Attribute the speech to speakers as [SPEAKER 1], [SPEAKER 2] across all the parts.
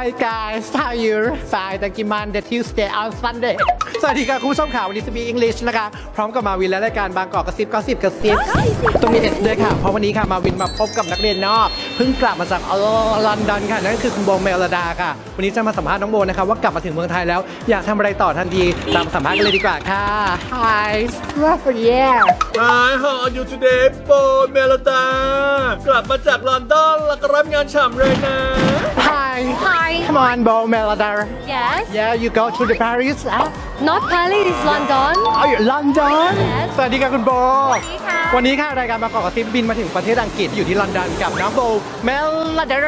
[SPEAKER 1] guys how you fine thank you Monday Tuesday on Sunday สวัสดีค่ะคุณผู้ชมข่าววันนี้จะมี English นะคะพร้อมกับมาวินและรายการบางกอกกระซิบต้องมี S ด้วยค่ะเพราะวันนี้ค่ะมาวินมาพบกับนักเรียนนอกเพิ่งกลับมาจากลอนดอนค่ะนั่นคือคุณโบเมลดาค่ะวันนี้จะมาสัมภาษณ์น้องโบนะคะว่ากลับมาถึงเมืองไทยแล้วอยากทำอะไรต่อทันทีตามสัมภาษณ์กันเลยดีกว่าค่ะ Hi yeah
[SPEAKER 2] Hi how are you today โบเมลดากลับมาจากลอนดอนแล้วก็รับงานฉ่ำเลยนะ
[SPEAKER 1] Hi
[SPEAKER 3] Hi.
[SPEAKER 1] come on Bo Melada
[SPEAKER 3] Yes.
[SPEAKER 1] yeah you go to the Paris
[SPEAKER 3] Not Paris, it's London.
[SPEAKER 1] อ๋ออยู่ลอนดอน
[SPEAKER 3] Yes
[SPEAKER 1] สวัสดีค่ะคุณโบ
[SPEAKER 3] สวัสดีค่ะ
[SPEAKER 1] วันนี้ค่ะรายการบางกอกกระซิบบินมาถึงประเทศอังกฤษอยู่ที่ลอนดอนกับน้องโบเมลดา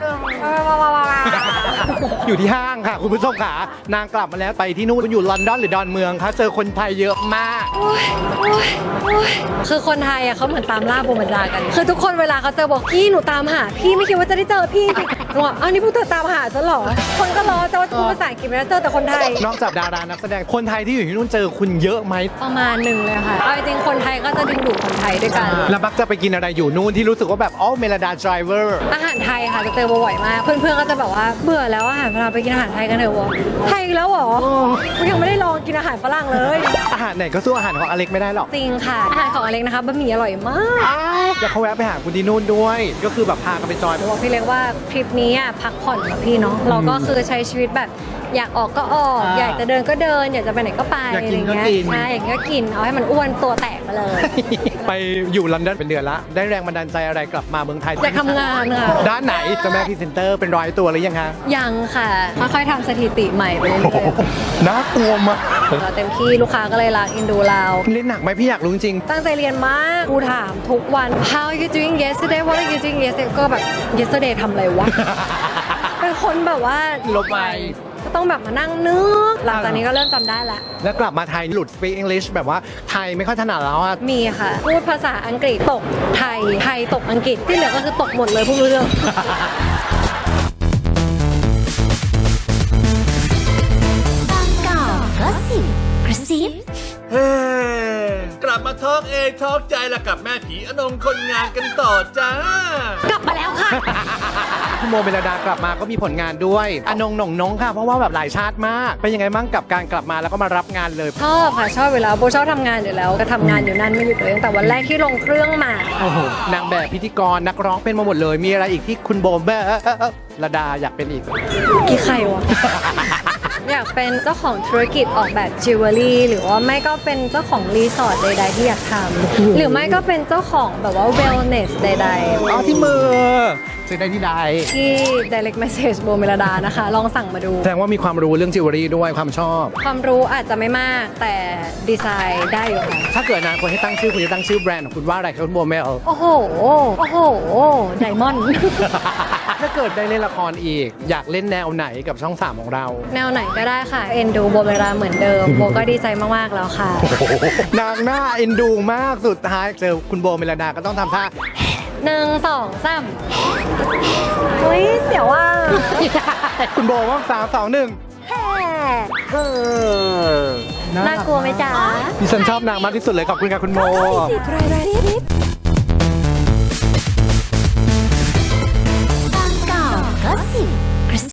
[SPEAKER 1] อยู่ที่ห้างค่ะคุณผู้ชมค่ะนางกลับมาแล้วไปที่นู่นอยู่ลอนดอนหรือดอนเมืองคะเจอคนไทยเยอะมาก
[SPEAKER 3] โอ้ยคือคนไทยอะเขาเหมือนตามล่าโบมันดากัน คือทุกคนเวลาเขาเจอบอกพี่หนูตามหาพี่ไม่คิดว่าจะได้เจอพี่หนูบอกอ้าวนี่พวกเธอตามหาฉันเหรอ คนก็รอจะว่าพูดภาษาอังกฤษไม่ได้เจอแต่คนไทย
[SPEAKER 1] นอกจากดารานักแสดงคนไทยที่อยู่ที่นู่นเจอคุณเยอะไหม
[SPEAKER 3] ประมาณหนึ่งเลยค่ะเอาจริงๆคนไทยก็จะดึงดูดคนไทยด้วยกัน
[SPEAKER 1] แล้วมักจะไปกินอะไรอยู่นู่นที่รู้สึกว่าแบบอ๋อเมลดาไดรเวอร์
[SPEAKER 3] อาหารไทยค่ะจะเจอบ่อยมาก เพื่อนๆก็จะแบบว่าเบื่อแล้วอาหารฝรั่งไปกินอาหารไทยกันเถอะวะไทยอีกแล้วเหรอกูยังไม่ได้ลองกินอาหารฝรั่งเลย
[SPEAKER 1] อาหารไหนก็สู้อาหารของอเล็กไม่ได้หรอก
[SPEAKER 3] จริงค่ะอาหารของอเล็กนะคะบะหมี่อร่อยมาก
[SPEAKER 1] เดี๋ยวเขาแวะไปหาคุณที่นู่นด้วย ก็คือแบบพากันไปจอย
[SPEAKER 3] บอกพี่เล็กว่าทริปนี้อ่ะพักผ่อนกับพี่เนาะเราก็คือใช้ชีวิตแบบอยากออกก็ออก อยากจะเดินก็เดิน อยากจะไปไหนก็ไป
[SPEAKER 1] อยากกินก็
[SPEAKER 3] ะไร
[SPEAKER 1] กิน
[SPEAKER 3] เงี้ยใช่อยากกินก็กินเอาให้มันอ้วนตัวแตกไปเลย
[SPEAKER 1] ไปอยู่ลอนดอนเป็นเดือนละ ได้แรงบันดาลใจอะไรกลับมาเมืองไทย
[SPEAKER 3] อยากทำงานค่ะ
[SPEAKER 1] ด้านไหนเจ้าแม่พรีเซนเตอร์เป็นร้อยตัวหรือยังคะ
[SPEAKER 3] ยังค่ะค่อยๆทำสถิติใหม่ไปเรื่อย
[SPEAKER 1] น่ากลัวมาก
[SPEAKER 3] ๆเราเต็มที่ลูกค้าก็เลยรักอินดูเรา
[SPEAKER 1] เล่นหนักไหมพี่อยากรู้จริง
[SPEAKER 3] ตั้งใจเรียนมากครูถามทุกวัน How are you doing yesterday What are you doing yesterday ก็แบบ yesterday ทำอะไรวะ เป็นคนแบบว่า
[SPEAKER 1] ลบไป
[SPEAKER 3] ก็ต้องแบบมานั่งนึกหลังจากนี้ก็เริ่มจำได้ละ
[SPEAKER 1] แล้วกลับมาไทยหลุด speak English แบบว่าไทยไม่ค่อยถนัดแล้วอะ
[SPEAKER 3] มีค่ะ พูดภาษาอังกฤษตกไทย ไทยตกอังกฤษที่เหลือก็คือตกหมดเลยพูดไม่รู้เรื่อง
[SPEAKER 4] บางกอกก็สิบกระซิบ
[SPEAKER 2] เฮ้กลับมาทอล์กเองทอล์กใจละกับแม่ผีอนงคนงานกันต่อจ้า
[SPEAKER 3] กลับมาแล้วค่ะ
[SPEAKER 1] คุณโมเมลดากลับมาก็มีผลงานด้วยอนงหน่งน้องค่ะ เพราะว่าแบบหลายชาติมาก เป็นยังไงบ้างกับการกลับมาแล้วก็มารับงานเลย
[SPEAKER 3] ชอบค่ะชอบเวลาโบชอบทำงานอยู่แล้วก็ทำงานอยู่นั่นไม่หยุดเลยตั้งแต่วันแรกที่ลงเครื่องมา
[SPEAKER 1] โอ้โหนางแบบพิธีกรนักร้องเป็นมาหมดเลย มีอะไรอีกที่คุณโบเมลดาอยากเป็นอีก
[SPEAKER 3] กี่ใครวะ อยากเป็นเจ้าของธุรกิจออกแบบจิวเวลรี่หรือว่าไม่ก็เป็นเจ้าของรีสอร์ทใดๆที่อยากทำหรือไม่ก็เป็นเจ้าของแบบว่า wellness ใด
[SPEAKER 1] อ๋อที่มือซื้อได้ที่ใด
[SPEAKER 3] ๆ ที่ direct message โบเมลดานะคะ ลองสั่งมาดู
[SPEAKER 1] แสดงว่ามีความรู้เรื่องจิวเวลรี่ด้วยความชอบ
[SPEAKER 3] ความรู้อาจจะไม่มากแต่ดีไซน์ได้อยู่ค่ะ
[SPEAKER 1] ถ้าเกิดอนาคตให้ตั้งชื่อคุณจะตั้งชื่อแบรนด์ของคุณว่าอะไรครับคุณโบเมล
[SPEAKER 3] โอ้โห โอ้โห ไดมอนด์
[SPEAKER 1] ถ้าเกิดได้เล่นละครอีก อยากเล่นแนวไหนกับช่อง 3 ของเรา
[SPEAKER 3] แนวไหนก็ได้ค่ะเอ็นดูโบเมลดาเหมือนเดิมโบก็ดีใจมากๆแล้วค่ะ
[SPEAKER 1] นางหน้าเอ็นดูมากสุดท้ายเจอคุณโบเมลดาก็ต้องทำท่า
[SPEAKER 3] 1 2 3เฮ้ยเสียวว่า
[SPEAKER 1] คุณโบว่า3 2 1
[SPEAKER 3] น่ากลัวไหมจ๊ะ
[SPEAKER 1] ดิฉันชอบนางมากที่สุดเลยขอบคุณค่ะคุณโบบ
[SPEAKER 4] างกอกก็สิบ